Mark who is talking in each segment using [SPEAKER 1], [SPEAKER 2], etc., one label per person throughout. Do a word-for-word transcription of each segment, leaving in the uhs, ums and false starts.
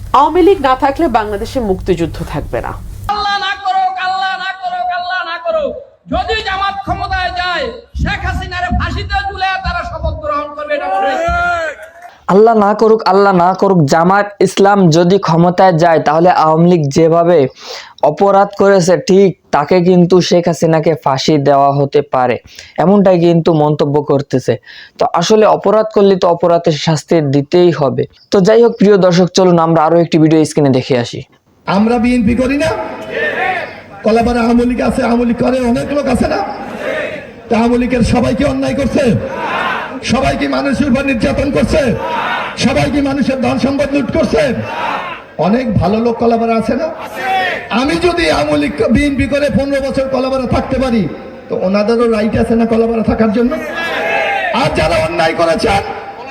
[SPEAKER 1] আওয়ামী লীগ না থাকলে বাংলাদেশে মুক্তিযুদ্ধ থাকবে না।
[SPEAKER 2] আল্লাহ না করুক, আল্লাহ না করুক, আল্লাহ না করুক, যদি জামাত ক্ষমতায় যায় শেখ হাসিনার ফাঁসিতে ঝুলে তারা শপথ গ্রহণ করবে।
[SPEAKER 3] আল্লাহ না করুক, আল্লাহ না করুক, জামাত ইসলাম যদি ক্ষমতায় যায় তাহলে আওয়ামী লীগ যেভাবে অপরাধ করেছে ঠিক তাকে কিন্তু শেখ হাসিনাকে ফাঁসি দেওয়া হতে পারে, এমনটাই কিন্তু মন্তব্য করতেছে। তো আসলে অপরাধ করলে তো অপরাধের শাস্তি দিতেই হবে। তো যাই হোক প্রিয় দর্শক, চলুন আমরা আরো একটি ভিডিও স্ক্রিনে দেখে আসি।
[SPEAKER 4] আমরা বিএনপি করি না, কলাপাড়া আওয়ামী লীগ আছে, আওয়ামী লীগ করে অনেক লোক আছে না? তা আওয়ামী লীগের সবাইকে অন্যায় করছে, সবাইকে মানুষের উপর নির্যাতন করছে, সবাইকে মানুষের ধন সম্পদ লুট করছে। অনেক ভালো লোক কলাপাড়া আছে না? আমি যদি আওয়ামী লীগ বিএনপি করে পনেরো বছর কলাপাড়া থাকতে পারি তো ওনাদেরও রাইট আছে না কলাপাড়া থাকার জন্য? আর যারা অন্যায় করেছেন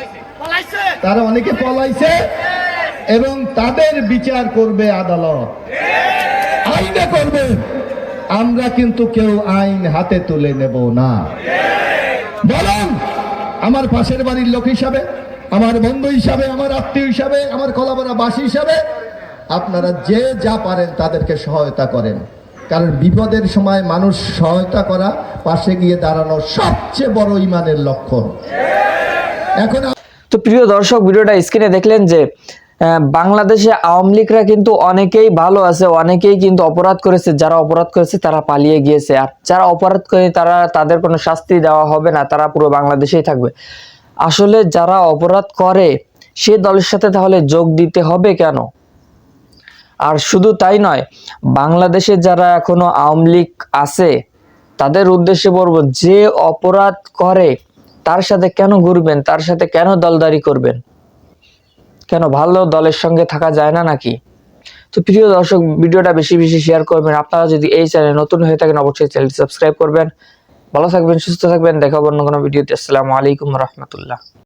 [SPEAKER 4] তারা অনেকে পলাইছে এবং তাদের বিচার করবে আদালত, আইনে করবে। আমরা কিন্তু কেউ আইন হাতে তুলে নেব না। বলুন, আমার পাশের বাড়ির লোক হিসাবে, আমার বন্ধু হিসাবে, আমার আত্মীয় হিসাবে, আমার কলাপাড়াবাসী হিসাবে আপনারা যে যা পারেন তাদেরকে সহায়তা করেন, কারণ বিপদের সময় মানুষ সহায়তা করা, পাশে গিয়ে দাঁড়ানো সবচেয়ে বড় ঈমানের লক্ষণ। এখন
[SPEAKER 3] তো প্রিয় দর্শক, ভিডিওটা স্ক্রিনে দেখলেন যে বাংলাদেশে আওয়ামী লীগরা কিন্তু অনেকেই ভালো আছে, অনেকেই কিন্তু অপরাধ করেছে। যারা অপরাধ করেছে তারা পালিয়ে গিয়েছে, আর যারা অপরাধ করে তারা তাদের কোনো শাস্তি দেওয়া হবে না, তারা পুরো বাংলাদেশেই থাকবে। আসলে যারা অপরাধ করে সে দলের সাথে তাহলে যোগ দিতে হবে কেন? আর শুধু তাই নয়, বাংলাদেশে যারা এখনো আওয়ামী লীগ আছে তাদের উদ্দেশ্যে বলবো, যে অপরাধ করে তার সাথে কেন ঘুরবেন, তার সাথে কেন দলদারি করবেন? কেন ভালো দলের সঙ্গে থাকা যায় না নাকি? তো প্রিয় দর্শক, ভিডিওটা বেশি বেশি শেয়ার করবেন। আপনারা যদি এই চ্যানেলে নতুন হয়ে থাকেন অবশ্যই চ্যানেলটি সাবস্ক্রাইব করবেন। ভালো থাকবেন, সুস্থ থাকবেন, দেখা হবে অন্য কোনো ভিডিওতে। আসসালামু আলাইকুম রহমতুল্লাহ।